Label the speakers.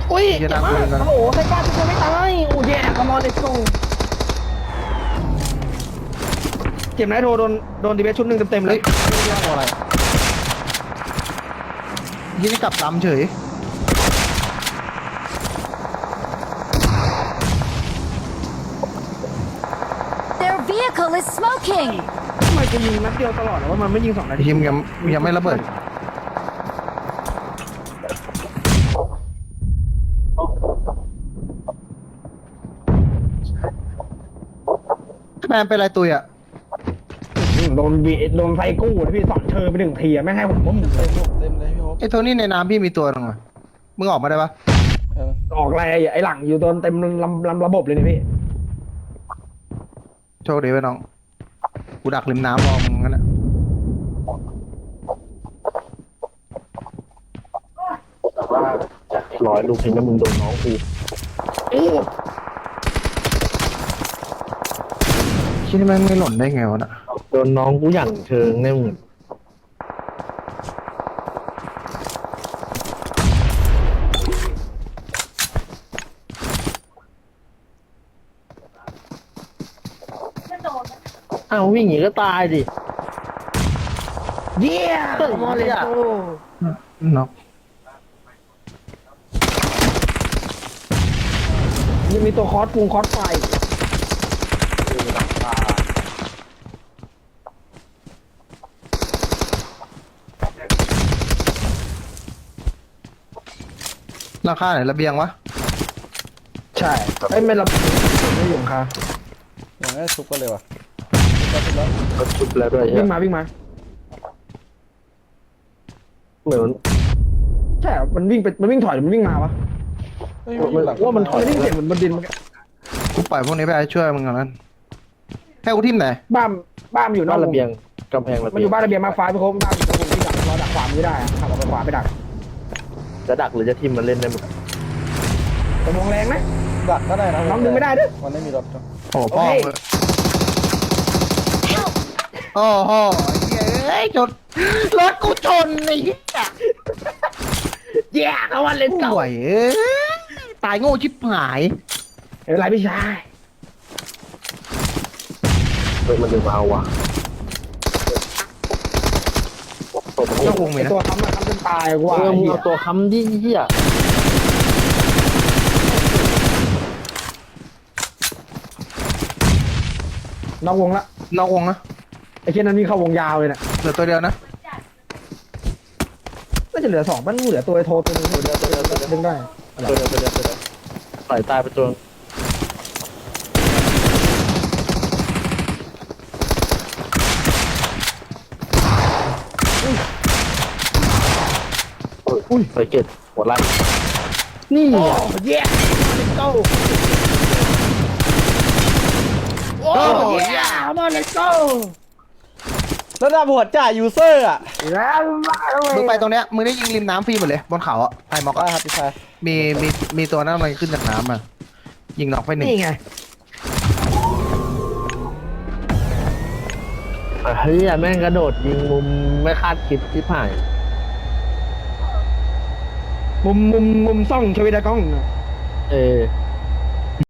Speaker 1: อุ้ยเจ็บมากโอ้โหไซก้าทุกคนไม่ตายโอ้ยคอมอนเลสโกเจ็บนะโทรโดนดีเบสชุดหนึ่งเต็มเลย
Speaker 2: เรื่องอะไรยี่นี่กลับลำเฉย
Speaker 3: Their vehicle is smoking.
Speaker 1: ทำไมจะยิงนัดเดียวตลอดหรอว่ามันไม่ยิง2 นาที
Speaker 2: ทีมยังไม่ระเบิดแมนเป็นไรตุยอ่ะ
Speaker 1: โดนไฟกู้นะพี่2 เชิญไป1 ทีไม่ให้ผมก็มึงเลย
Speaker 4: เต็มเลยพี่โอ๊ค
Speaker 2: ไอ้โทนี่ในน้ำพี่มีตัวหนึงอ่ะมึงออกมาได้ปะ
Speaker 1: ออกอะไรไอ้หลังอยู่โดนเต็มลำระบบเลยนี่พี่
Speaker 2: โชคดีไว้น้องกูดักริมน้ำรอมึงงั้นแหละ
Speaker 5: 100 ลูกเห็นแล้วมึงโดนน้องกู
Speaker 1: โอ้
Speaker 2: คิดว่าแม่งไม่หล่นได้ไงวะน่ะ
Speaker 5: โดนน้องกูอย่างเชิงแน่มึงอ้าววิ่งอย่างนี้ก็ตายดิ
Speaker 1: เยี่ยมอเลสโก
Speaker 2: น็อก
Speaker 1: ยังมีตัวคอสไฟ
Speaker 2: ราคาไหนระเบียงวะ
Speaker 1: ใช่ไอ้ไม่รับไม่อยู่ค่ะ
Speaker 4: อย่างนี้ซุปกันเลยว่ะ
Speaker 5: ก็ชุบแล้วด้วย
Speaker 1: วิ่งมา
Speaker 5: เหมือน
Speaker 1: ใช่มันวิ่งถอยหรือมันวิ่งมาวะ
Speaker 4: เฮ้ย
Speaker 5: ว่ามันถอย
Speaker 1: มันวิ่งเสียงเหมือนบนดินมัน
Speaker 2: กูปล่อยพวกนี้ไปช่วยมึงก่อนนั้นให้กูทิมไหน
Speaker 1: บ้านอยู่นอ
Speaker 5: บ้าก น
Speaker 1: ว
Speaker 5: ระ
Speaker 1: ง
Speaker 5: เบียงกำแพงระ
Speaker 1: มัน
Speaker 5: เบี
Speaker 1: อย
Speaker 5: ง
Speaker 1: ยู่บ้านระเบียงมาฟ้าพี่โค้งบ้านอยู่ตรงที่ดักรอดักขวาไม่ได้อะขับออกไปขวาไปดัก
Speaker 5: จะดักหรือจะทิมมันเล่นได้หมด
Speaker 1: แต่มองแรงนะ
Speaker 4: ดักก็ได้นะ
Speaker 1: น้องดึงไม่ได้ด้วย
Speaker 4: มันไม่มีรถ
Speaker 2: โอ้พ่อ
Speaker 1: โอเค
Speaker 2: มึงโอ้โหเฮ้ยชนรถกูชนไอ้เหี้ย
Speaker 1: แย่เขาว่าเล่นเก่า
Speaker 2: ห่วยเอ้ยตายโง่ชิบหาย
Speaker 1: ไม่เป็นไรพี่ชาย
Speaker 5: เฮ้ยมันดึงมาเอาว่ะ
Speaker 2: เจ้าวงไหม
Speaker 1: ไอ้
Speaker 2: นะ
Speaker 1: ตัวค้ำจนตายกว่า
Speaker 5: มึง
Speaker 1: เหี้ย
Speaker 5: เอาตัวค้ำดิเหี้ย
Speaker 1: นอกวงละ
Speaker 2: นอกวงนะ
Speaker 1: ไอ้เช่นนั้นวิ่งเข้าวงยาวเลยนะ
Speaker 2: เหลือตัวเดียวนะ
Speaker 1: น่าจะเหลือ2มันเหลือตัวไอ้โทรตัวนึงดึงได้
Speaker 5: ตัวเดียวปล่อยตายไปตัวอุ้ยไปเก็ตหัวไล่นี่
Speaker 1: โอ้
Speaker 5: อ่ะ
Speaker 1: แย่เก้าโอ้แย่มาเลโก้
Speaker 4: ระดับหัวจ่ายยูเซอร์อ่ะ
Speaker 1: แล้วมาเลย
Speaker 2: มึงไปตรงเนี้ยมึงได้ยิงริมน้ำฟรีหมดเลยบนเขาอ่ะไอ้มอก
Speaker 4: ได้
Speaker 2: อะ
Speaker 4: ครับพี่ชาย
Speaker 2: มีตัวนั้นมันขึ้นจากน้ำอ่ะยิงน็อกไป1
Speaker 1: นี่ไง
Speaker 5: เฮ้ยแม่งกระโดดยิงมุมไม่คาดคิดที่ผ่าน
Speaker 1: มุมซ่องชวิดากล้อง
Speaker 5: เออ